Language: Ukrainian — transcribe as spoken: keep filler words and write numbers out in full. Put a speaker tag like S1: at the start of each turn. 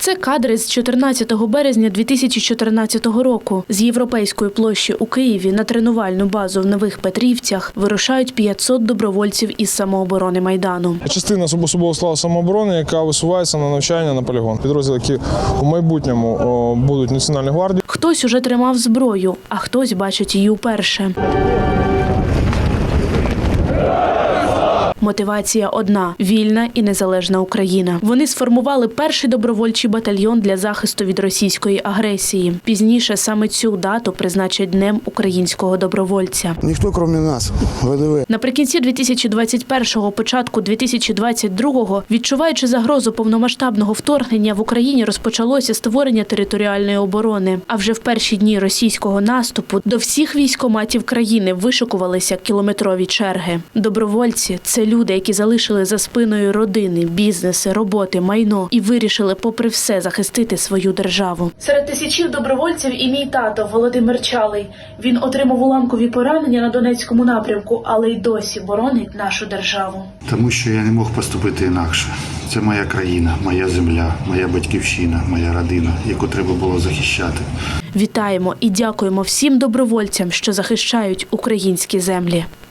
S1: Це кадри з чотирнадцятого березня дві тисячі чотирнадцятого року. З Європейської площі у Києві на тренувальну базу в Нових Петрівцях вирушають п'ятсот добровольців із самооборони Майдану.
S2: Частина особового складу самооборони, яка висувається на навчання на полігон. Підрозділи, які у майбутньому о, будуть Національній гвардії.
S1: Хтось уже тримав зброю, а хтось бачить її вперше. Мотивація одна – вільна і незалежна Україна. Вони сформували перший добровольчий батальйон для захисту від російської агресії. Пізніше саме цю дату призначать Днем українського добровольця.
S3: Ніхто, крім нас, ВДВ.
S1: Наприкінці дві тисячі двадцять першого, початку дві тисячі двадцять другого, відчуваючи загрозу повномасштабного вторгнення, в Україні розпочалося створення територіальної оборони. А вже в перші дні російського наступу до всіх військкоматів країни вишикувалися кілометрові черги. Добровольці – це люди, які залишили за спиною родини, бізнеси, роботи, майно і вирішили попри все захистити свою державу. Серед тисячів добровольців і мій тато Володимир Чалий. Він отримав уламкові поранення на Донецькому напрямку, але й досі боронить нашу державу.
S4: Тому що я не мог поступити інакше. Це моя країна, моя земля, моя батьківщина, моя родина, яку треба було захищати.
S1: Вітаємо і дякуємо всім добровольцям, що захищають українські землі.